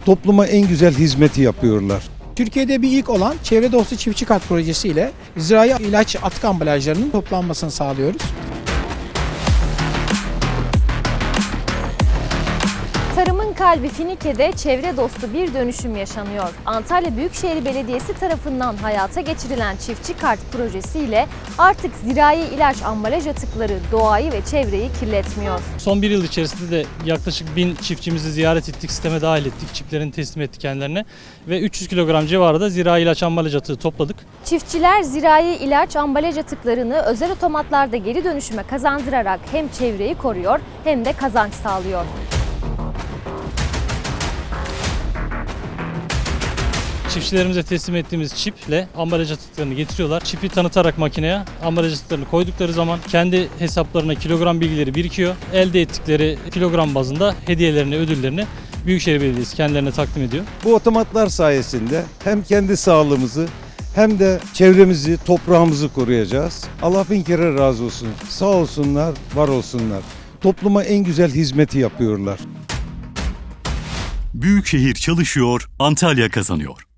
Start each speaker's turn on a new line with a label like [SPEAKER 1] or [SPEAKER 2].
[SPEAKER 1] Topluma en güzel hizmeti yapıyorlar.
[SPEAKER 2] Türkiye'de bir ilk olan Çevre Dostu Çiftçi Kart projesi ile zirai ilaç atık ambalajlarının toplanmasını sağlıyoruz.
[SPEAKER 3] Tarımın kalbi Finike'de çevre dostu bir dönüşüm yaşanıyor. Antalya Büyükşehir Belediyesi tarafından hayata geçirilen Çiftçi Kart projesiyle artık zirai ilaç ambalaj atıkları doğayı ve çevreyi kirletmiyor.
[SPEAKER 4] Son bir yıl içerisinde de yaklaşık 1000 çiftçimizi ziyaret ettik, sisteme dahil ettik, çiplerini teslim ettik kendilerine ve 300 kilogram civarında zirai ilaç ambalaj atığı topladık.
[SPEAKER 3] Çiftçiler zirai ilaç ambalaj atıklarını özel otomatlarda geri dönüşüme kazandırarak hem çevreyi koruyor hem de kazanç sağlıyor.
[SPEAKER 4] Çiftçilerimize teslim ettiğimiz çiple ambalaj atıklarını getiriyorlar. Çipi tanıtarak makineye ambalaj atıklarını koydukları zaman kendi hesaplarına kilogram bilgileri birikiyor. Elde ettikleri kilogram bazında hediyelerini, ödüllerini Büyükşehir Belediyesi kendilerine takdim ediyor.
[SPEAKER 1] Bu otomatlar sayesinde hem kendi sağlığımızı hem de çevremizi, toprağımızı koruyacağız. Allah bin kere razı olsun. Sağ olsunlar, var olsunlar. Topluma en güzel hizmeti yapıyorlar.
[SPEAKER 5] Büyükşehir çalışıyor, Antalya kazanıyor.